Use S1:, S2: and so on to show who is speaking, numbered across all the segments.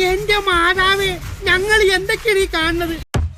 S1: എന്റെ മാതാവേ, ഞങ്ങൾ എന്തൊക്കെയാണ് ഈ കാണുന്നത്?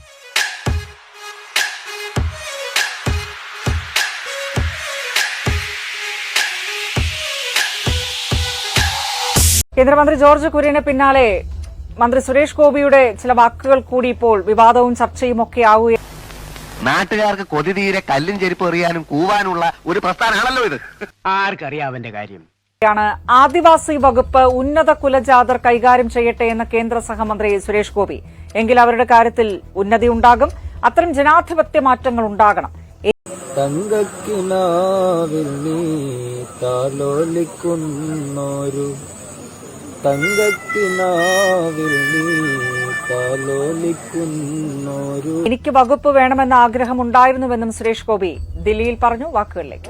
S2: കേന്ദ്രമന്ത്രി ജോർജ് കുര്യന് പിന്നാലെ മന്ത്രി സുരേഷ് ഗോപിയുടെ ചില വാക്കുകൾ കൂടി ഇപ്പോൾ വിവാദവും ചർച്ചയും ഒക്കെ ആവുകയാണ്.
S3: നാട്ടുകാർക്ക് കൊതി തീരെ കല്ലും ചെരുപ്പ് എറിയാനും കൂവാനുള്ള ഒരു പ്രസ്ഥാനമാണല്ലോ ഇത്. ആർക്കറിയാം അവന്റെ കാര്യം.
S2: ആദിവാസി വകുപ്പ് ഉന്നത കുലജാതർ കൈകാര്യം ചെയ്യട്ടെ എന്ന കേന്ദ്ര സഹമന്ത്രി സുരേഷ് ഗോപി. എങ്കിൽ അവരുടെ കാര്യത്തിൽ ഉന്നതി ഉണ്ടാകും. അത്തരം ജനാധിപത്യ മാറ്റങ്ങൾ ഉണ്ടാകണം. എനിക്ക് വകുപ്പ് വേണമെന്ന ആഗ്രഹമുണ്ടായിരുന്നുവെന്നും സുരേഷ് ഗോപി ദില്ലിയിൽ പറഞ്ഞു. വാക്കുകളിലേക്ക്.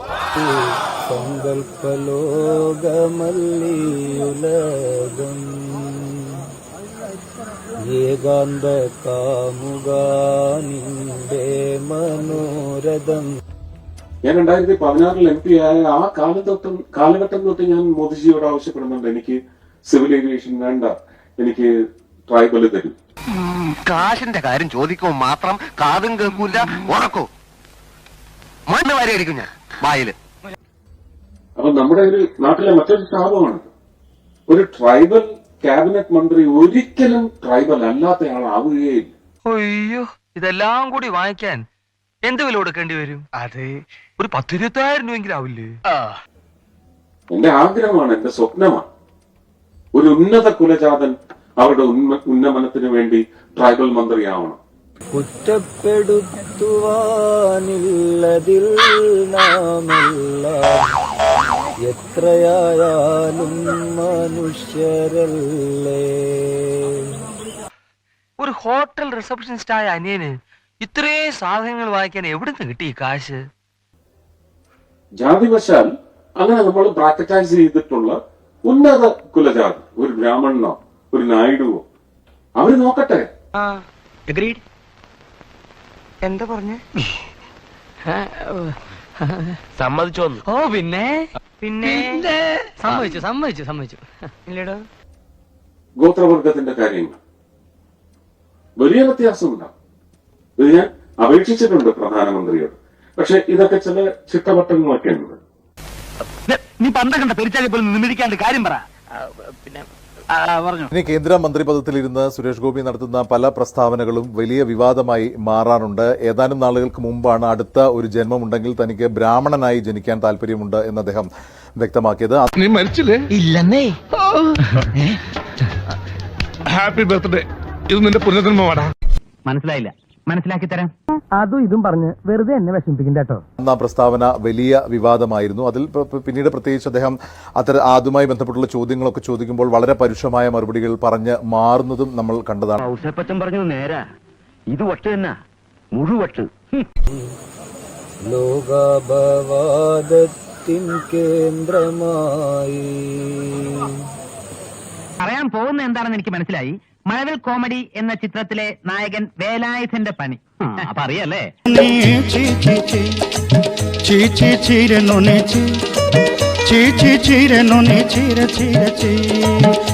S4: ഞാൻ 2016 MP ആയ ആ കാലഘട്ടം തൊട്ട് ഞാൻ മോദിജിയോട് ആവശ്യപ്പെടുന്നുണ്ട്, എനിക്ക് സിവിൽ ഏവിയേഷൻ വേണ്ട, എനിക്ക് ട്രൈബൽ തരും.
S3: കാശിന്റെ കാര്യം ചോദിക്കുമ്പോൾ മാത്രം കാതും കേൾക്കൂല, ഉറക്കോ മണ്ണ് വരെയായിരിക്കും ഞാൻ വായില്.
S4: അപ്പൊ നമ്മുടെ ഒരു നാട്ടിലെ മറ്റൊരു ശാപമാണ്, ഒരു ട്രൈബൽ ക്യാബിനറ്റ് മന്ത്രി ഒരിക്കലും ട്രൈബൽ അല്ലാത്തയാളാവുകയില്ല.
S5: അയ്യോ, ഇതെല്ലാം കൂടി വാങ്ങിക്കാൻ എന്ത് വില കൊടുക്കേണ്ടി വരും? അത് ഒരു 10-20,000 രൂപയെങ്കിലും ആവില്ലേ?
S4: എന്റെ ആഗ്രഹമാണ്, എന്റെ സ്വപ്നമാണ്, ഒരു ഉന്നത കുലജാതൻ അവരുടെ ഉന്നമനത്തിന് വേണ്ടി ട്രൈബൽ മന്ത്രിയാവണം.
S6: കുറ്റപ്പെടുത്തുവാനില്ലതിൽ നാമല്ല, എത്രയായാലും മനുഷ്യരല്ലേ.
S5: ഒരു ഹോട്ടൽ റിസപ്ഷനിസ്റ്റ് ആയ അനിയന് ഇത്രയും സാധനങ്ങൾ വാങ്ങിക്കാൻ എവിടുന്ന് കിട്ടി ഈ കാശ്?
S4: ജാതിവശാൽ അങ്ങനെ നമ്മൾ ബ്രാക്കറ്റൈസ് ചെയ്തിട്ടുള്ള ഉന്നത കുലജാതി, ഒരു ബ്രാഹ്മണനോ ഒരു നായിഡുവോ, അവര് നോക്കട്ടെ.
S5: എന്താ പറഞ്ഞേ? സമ്മതിച്ചോ? ഓ പിന്നെ പിന്നെ സമ്മതിച്ചു ഇല്ലടോ.
S4: ഗോത്രവർഗത്തിന്റെ കാര്യങ്ങൾ വലിയ വ്യത്യാസമുണ്ടാവും. ഇത് ഞാൻ അപേക്ഷിച്ചിട്ടുണ്ട് പ്രധാനമന്ത്രിയോട്. പക്ഷെ ഇതൊക്കെ ചില ചിട്ടവട്ടങ്ങളൊക്കെ ഉണ്ട്.
S3: നീ പണ്ടകണ്ട പെരിച്ചാലി പോലും നിമിരിക്കാണ്ട് കാര്യം പറ. പിന്നെ
S7: ഇനി കേന്ദ്ര മന്ത്രിപദത്തിലിരുന്ന് സുരേഷ് ഗോപി നടത്തുന്ന പല പ്രസ്താവനകളും വലിയ വിവാദമായി മാറാറുണ്ട്. ഏതാനും നാളുകൾക്ക് മുമ്പാണ് അടുത്ത ഒരു ജന്മമുണ്ടെങ്കിൽ തനിക്ക് ബ്രാഹ്മണനായി ജനിക്കാൻ താല്പര്യമുണ്ട് എന്ന് അദ്ദേഹം വ്യക്തമാക്കിയത്.
S8: നീ മരിച്ചില്ലേ?
S5: ഇല്ലെന്നേ.
S8: Happy birthday. ഇത് നിന്റെ പുനർജന്മമാടാ.
S5: മനസ്സിലായില്ല, മനസ്സിലാക്കി തരാം.
S1: അതും ഇതും പറഞ്ഞ് വെറുതെ എന്നെ വിഷമിപ്പിക്കണ്ട കേട്ടോ.
S7: ആ പ്രസ്താവന വലിയ വിവാദമായിരുന്നു. അതിൽ പിന്നീട് പ്രത്യേകിച്ച് അദ്ദേഹം അതുമായി ബന്ധപ്പെട്ടുള്ള ചോദ്യങ്ങളൊക്കെ ചോദിക്കുമ്പോൾ വളരെ പരുഷമായ മറുപടികൾ പറഞ്ഞ് മാറുന്നതും നമ്മൾ കണ്ടതാണ്.
S3: ഔസേപ്പച്ചൻ പറഞ്ഞു നേരാ, ഇത് വട്ട് തന്നെ മുഴുവട്ട്.
S6: ലോകാപവാദത്തിൻ കേന്ദ്രമായി
S5: പറയാൻ പോകുന്ന എന്താണെന്ന് എനിക്ക് മനസ്സിലായി. മഴവിൽ കോമഡി എന്ന ചിത്രത്തിലെ നായകൻ വേലായുധന്റെ പണി അപ്പൊ അറിയല്ലേ?
S1: ചീര ചീര ചീര